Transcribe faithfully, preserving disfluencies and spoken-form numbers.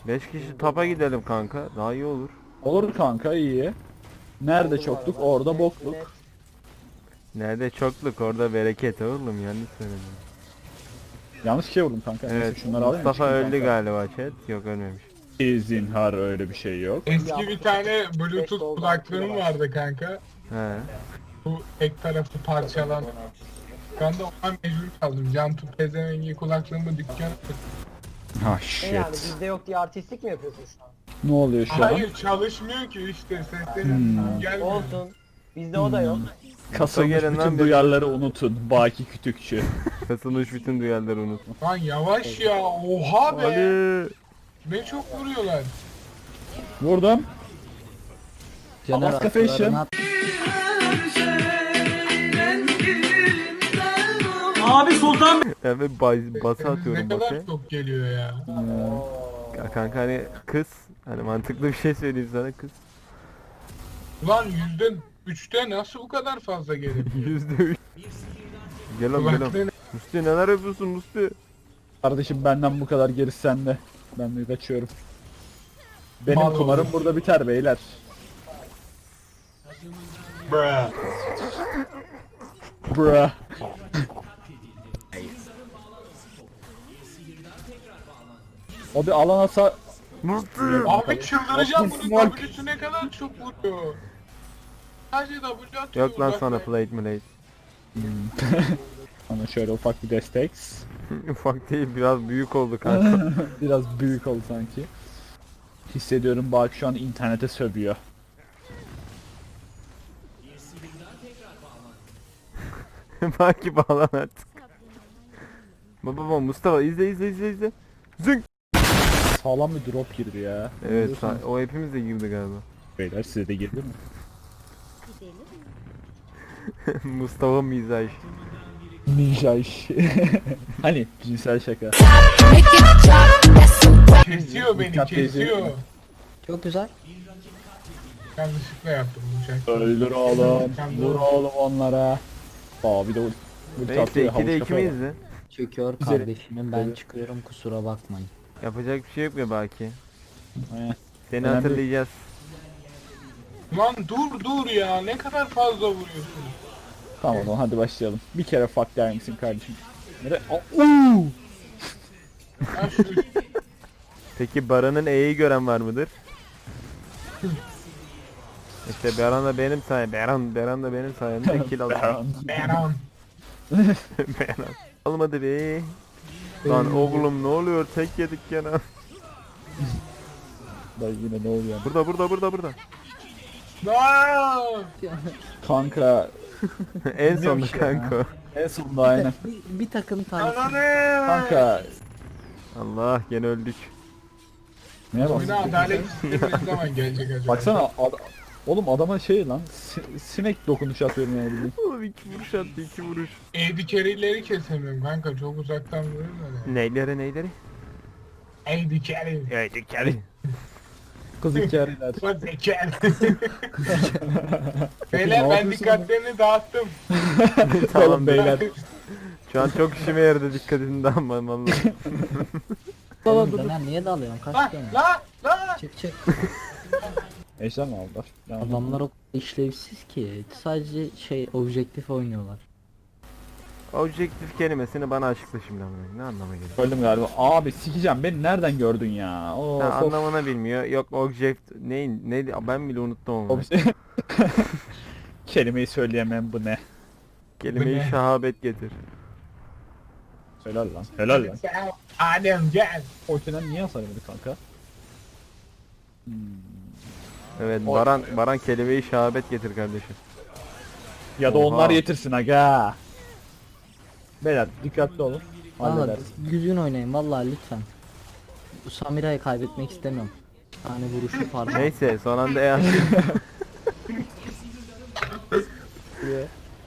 beş kişi tapa gidelim kanka. Daha iyi olur. Olur kanka, iyi. Nerede çokluk orada bokluk. Nerede çokluk orada bereket oğlum, yanlış söyledim. Yanlış şey vurdum kanka. Neyse, Evet, şunları alayım mı? Mustafa Çıkayım öldü kanka. galiba chat. Yok, ölmemiş. Zinhar, öyle bir şey yok. Eski bir tane Bluetooth kulaklığım vardı kanka. He. Bu tek tarafı parçalan. Ben de ona mecbur kaldım. Cantu pezevengi kulaklığımı dükkana. Ha Ne yani shit. bizde yok diye artistlik mi yapıyorsun şu an? Ne oluyor şu an? Hayır çalışmıyor ki işte seslerim Hmm. gelmiyor. Olsun. Bizde o da yok. Kasılmış gelin lan bütün bir- duyarları unutun. Baki Kütükçü. Kasılmış bütün duyarları unutma. Lan yavaş ya, oha be. Ali. Ne çok vuruyorlar. Vurdum. Caner Alaska Fashion. atlarına at- Ya ben bas, basa atıyorum Ne kadar base. çok geliyor ya. Ya kanka hani kız. Hani mantıklı bir şey söyleyeyim sana, kız. Ulan yüzde üçte nasıl bu kadar fazla gelir? Yüzde üç. Gel lan gel lan. Kulaklığın Musti neler yapıyorsun Musti? Kardeşim benden bu kadar, gerisi sende. Ben de kaçıyorum. Benim Mal kumarım oldu. burada biter beyler. Bruh. Bruh. O bir alan asa... Musti. Abi çıldıracağım, bunun Smoke. W'su ne kadar çok vuruyor. Sadece W atıyor. Yok lan sana uzaktan. plate plate. Ama şöyle ufak bir destek. Ufak değil, biraz büyük oldu kanka. Biraz büyük oldu sanki. Hissediyorum Baki şu an internete sövüyor. Belki bağlan artık. Baba baba Mustafa izle izle izle izle. Zınk. Sağlam bir drop girdi ya. Evet, Biliyorsunuz. sa- o hepimiz de girdi galiba. Beyler size de girdi mi? Mustafa mizaj. Ninja iş. Hani cinsel şaka. Kesiyor beni, Dikkat kesiyor. edin. Çok güzel. Yanlışlıkla yaptım bu şarkıyı. Öldür oğlum. Vur oğlum onlara. Aa bir de ulti Neyse atıyor, havuç ikide iki kafaya miyiz bak. de? Çöküyor Güzel. kardeşimim, ben Evet. çıkıyorum, kusura bakmayın. Yapacak bir şey yok ya belki. Aynen. Seni Önemli. hatırlayacağız. Lan dur dur ya, ne kadar fazla vuruyorsun. Tamam o zaman hadi başlayalım. Bir kere fuck der misin kardeşim? Nere? Aa, uuu! Ya şu Peki Baran'ın E'yi gören var mıdır? İşte Baran da benim sayemde. Baran, Baran da benim sayemde kill aldı. Baron. Beran. Baran. Olmadı be. Lan oğlum ne oluyor? Tek yedik gene. Dayı yine ne oluyor? Burada burada burada burada. Aa! Kanka En sonunda Bilmiyorum ki ya. kanka. en sonunda aynen. Bir, bir takım tanesi. Ananı! Kanka Allah gene öldük. neye bak? Oyuna adalet sistemi ne zaman gelecek acaba? Baksana ad- oğlum adama şey lan si- sinek dokunuşu atıyorum yani bildiğin. Oğlum iki vuruş attı, iki vuruş. Eğdi kerileri kesemiyorum kanka, çok uzaktan vuruyorlar ya. Neyleri neyleri? Eğdi keri. Haydi keri. Kız hikayeler. Bak zeker. Beyler ben dikkatlerini dağıttım. Tamam beyler. Şu an çok işime yaradı, dikkatini dağılmam vallahi. Caner niye dalıyorsun? La Kaç tane? la la. Çık çık. Ejder mi aldılar? Yani Adamlar o kadar işlevsiz ki. Sadece şey objektif oynuyorlar. Objektif kelimesini bana açıkla şimdi ama ne anlama geliyor? öldüm galiba. Abi sikeceğim, beni nereden gördün ya? Oo, Ha, anlamını bilmiyor. Yok object neyin ne ben bile unuttum onu. Kelimeyi söyleyemem, bu ne? Kelimeyi Bu ne? şahabet getir. Helal lan. Helal lan. Gel, Adem gel. Ortadan niye hasar yemedi kanka? Hmm. Evet O- Baran Baran kelimeyi şahabet getir kardeşim. Ya da Oha. onlar yetirsin aga. Beyler dikkatli olun. Valla Halledersin. düzgün oynayın vallahi lütfen. Bu Samira'yı kaybetmek istemiyorum. Bir tane vuruşu parmağı. Neyse son anda E attı.